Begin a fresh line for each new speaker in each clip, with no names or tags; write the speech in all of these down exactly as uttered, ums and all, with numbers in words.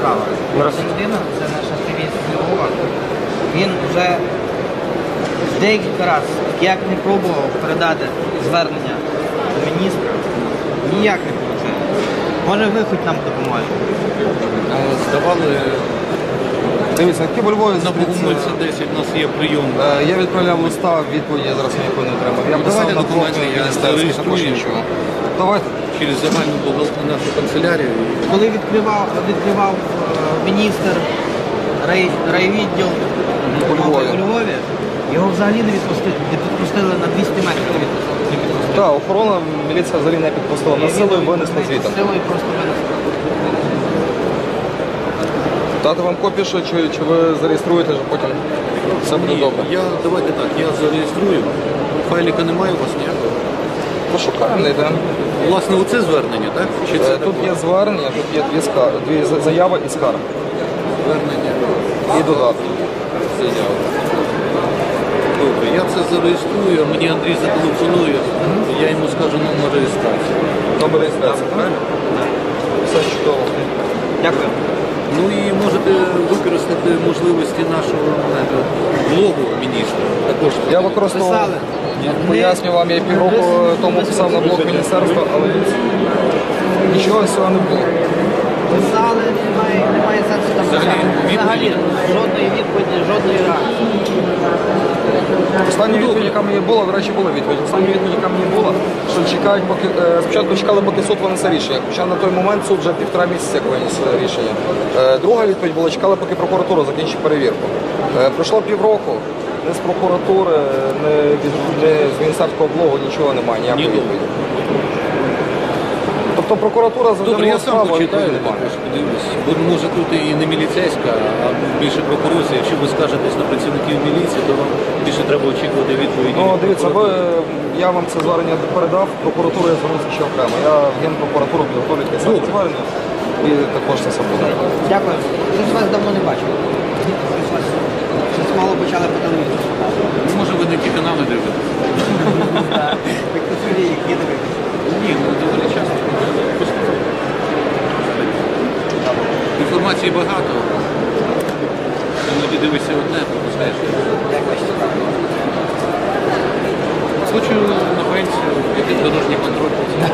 справа. Ця людина, це наш активіст з Львова. Він вже декілька разів, як не пробував передати звернення до міністра, ніяк не виходить. Може ви хоч нам допоможете?
Здавали
Дивіться, які по Львові
на Богомольця десять, у нас є прийом.
Е, Я відправляв листа, відповіді я зараз ніякої не отримав. Я писав
Давайте
на
документи,
блок
я
міністерський, також
зареєструю.
нічого. Давайте.
Через загальну бухгалтерію нашу канцелярію.
Коли відкривав, відкривав е, міністр рай, райвідділ
У Львові.
у Львові, його взагалі не відпустили, не відпустили на двісті метрів. Не відпустили. Не відпустили.
Так, охорона, міліція взагалі не підпустила. На силою винесли звітом.
Силою просто винесли.
Дати вам копію, що, чи, чи ви зареєструєте, що потім все буде
Ні,
добре.
я, давайте так, я зареєструю. Файліка немає у вас ніякого?
Пошукаємо, не йдемо.
Власне, оце звернення, так? Чи це
Е, Тут є звернення, тут є дві, скар... дві за- заяви і скарги.
звернення?
І додатки.
Заява. Добре, я це зареєструю, а мені Андрій зателефонує, я йому скажу номер реєстрації.
Номер реєстрації, правильно? Все чудово.
Дякую.
Ну і можете використати можливості нашого е, блогу міністра. Також
Я використовував,
Писали.
поясню вам, я півроку тому писав на блог міністерства, але нічого з цього не було.
Писали, немає, немає сенсу там
Взагалі,
писати. Взагалі, жодної відповіді, жодної реакції.
Остання відповідь, яка мені була, до речі, була відповідь. Остання відповідь, яка мені була, що чекають, поки е, спочатку чекали, поки суд винесе рішення. Хоча на той момент суд вже півтора місяця як виніс е, рішення. Е, Друга відповідь була, чекали, поки прокуратура закінчить перевірку. Е, Пройшло півроку, не з прокуратури, не, від- не з міністерського блогу нічого немає, ніякої
Ні,
відповіді. Тобто прокуратура
Добре,
завжди
я сам
справу, а
почитаю,
відповіді немає.
також подивлюсь. Бо може тут і не міліцейська, а більше прокурорська. Якщо ви скажетесь на працівників міліції, то вам більше треба очікувати відповіді.
Ну,
від
дивіться, ви,
прокуратури.
я вам це звернення передав, прокуратуру я звернувся ще окремо. Я в Генпрокуратуру підготовлю таке саме
Добре.
звернення і також це все буде.
Дякую. Щось вас давно не бачив. Щось вас щось мало почали по телевізору показувати.
Ну, може ви не ті канали дивитесь?
Так тут люди, які дивитися.
Ні, ну доволі часто. Просто інформації багато. Іноді дивишся одне, пропускаєш.
Як бачите, так.
Хочу на пенсію, якийсь дорожній контроль.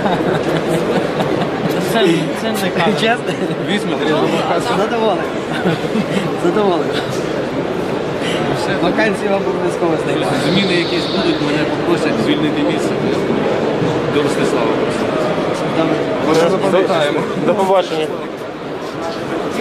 Це, це не кажу. Чесно?
Візьмете, я думаю,
Задоволений. Задоволений.
все.
Вакансії вам обов'язково знайдемо.
Зміни якісь будуть, мене попросять звільнити місце. До Ростислава просто.
Добре.
Ми це запам'ятаємо.
До побачення.